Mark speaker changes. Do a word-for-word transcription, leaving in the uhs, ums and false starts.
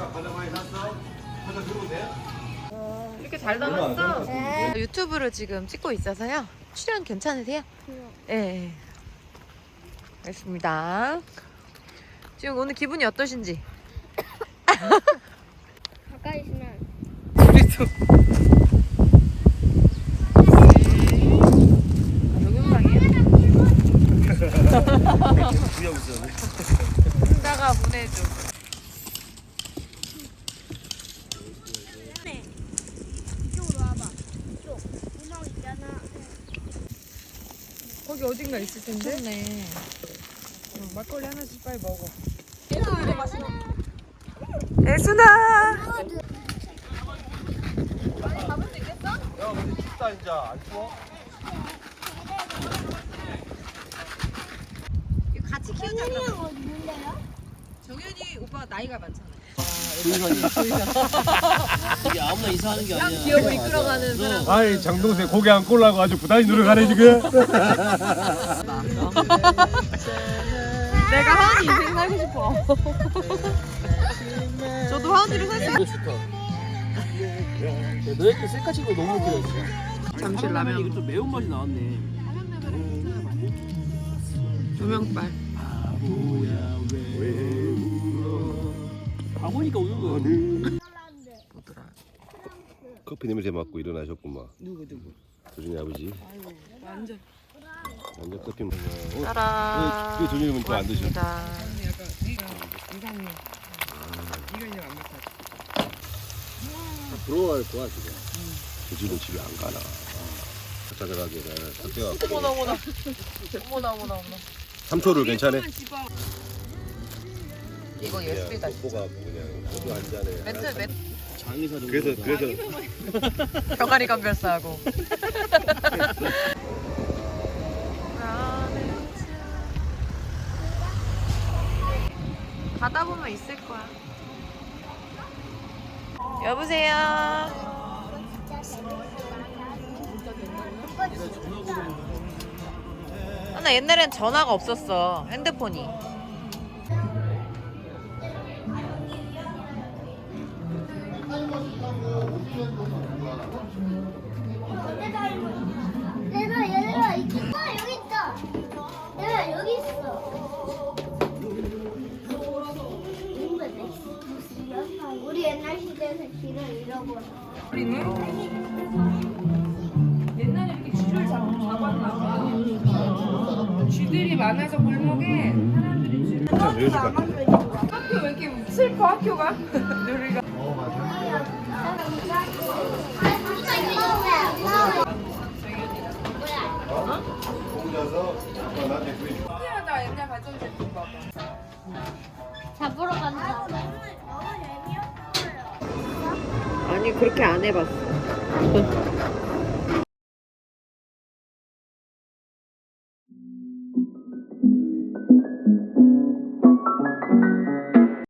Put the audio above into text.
Speaker 1: 이렇게 잘 담았어? 네. 유튜브로 지금 찍고 있어서요. 출연 괜찮으세요? 네. 네. 알겠습니다. 지금 오늘 기분이 어떠신지?
Speaker 2: 가까이 있으면
Speaker 1: 우리도. 동영상이에요? 혼자가 보내줘.
Speaker 2: 이쪽으로 와봐. 이쪽 구멍 있잖아.
Speaker 1: 거기 어딘가 있을 텐데? 좋네. 어, 막걸리 하나씩 빨리 먹어. 예순아!
Speaker 2: 잡을 수 있겠어?
Speaker 3: 야, 근데 춥다 이제. 안 추워?
Speaker 1: 같이 키우자.
Speaker 2: 혜린이랑 어디 있는데요?
Speaker 1: 정현이 오빠 나이가 많잖아.
Speaker 4: 이게 아무나 이사하는 게 아니야.
Speaker 1: 기업을 이끌어가는 사람.
Speaker 3: 아이, 장동생 고개 안 꼴라고 아주 부단히 노력하네 지금.
Speaker 1: 내가 하은이 인생 살고 싶어. 저도 하은이를 살수
Speaker 4: 이거 좋다. 야, 너 이렇게 셀카 찍고 너무 웃기다.
Speaker 1: 잠실 라면.
Speaker 4: 이거 좀 매운 맛이 나왔네.
Speaker 1: 조명빨.
Speaker 4: 바보야 왜 울어? 바보니까 우는 거야.
Speaker 1: 뭐더라?
Speaker 3: 커피 냄새 맡고 일어나셨구만.
Speaker 1: 누구 누구?
Speaker 3: 도준이 아버지.
Speaker 1: 아이고 완전.
Speaker 3: 완전 커피 먹어. 어?
Speaker 1: 따라.
Speaker 3: 왜 도준이는 또 안 드셔?
Speaker 1: 약간
Speaker 5: 이상해. 이거 이제 안 먹어.
Speaker 4: 부러워할 거야 지금.
Speaker 3: 도준이는 집에 안 가나. 찾아가게 돼.
Speaker 1: 어머나 어머나. 어머나 어머나 어머나.
Speaker 3: 삼초를 괜찮아?
Speaker 1: 이거 예술이다.
Speaker 3: 보가 그냥 소주 한 잔에.
Speaker 1: 멘트 멘트.
Speaker 4: 장의사 정도.
Speaker 3: 그래서 그래서
Speaker 1: 병아리 감별사하고. 가다 보면 있을 거야. 여보세요. 아, 나 옛날엔 전화가 없었어. 핸드폰이.
Speaker 2: 내가 얘들아 있 아, 여기 있다. 내가 여기 있어. 우리 옛날 시대에서 길을 잃어버려.
Speaker 5: 옛날에 이렇게 쥐를 잡, 잡았나 봐. 쥐들이 많아서 골목에 사람들이 쥐를 학교 왜 이렇게 슬퍼 학교가? 누리가 신기하다. 옛날 가전제품 봐봐.
Speaker 2: 잡으러 간다.
Speaker 1: 아니 그렇게 안 해봤어.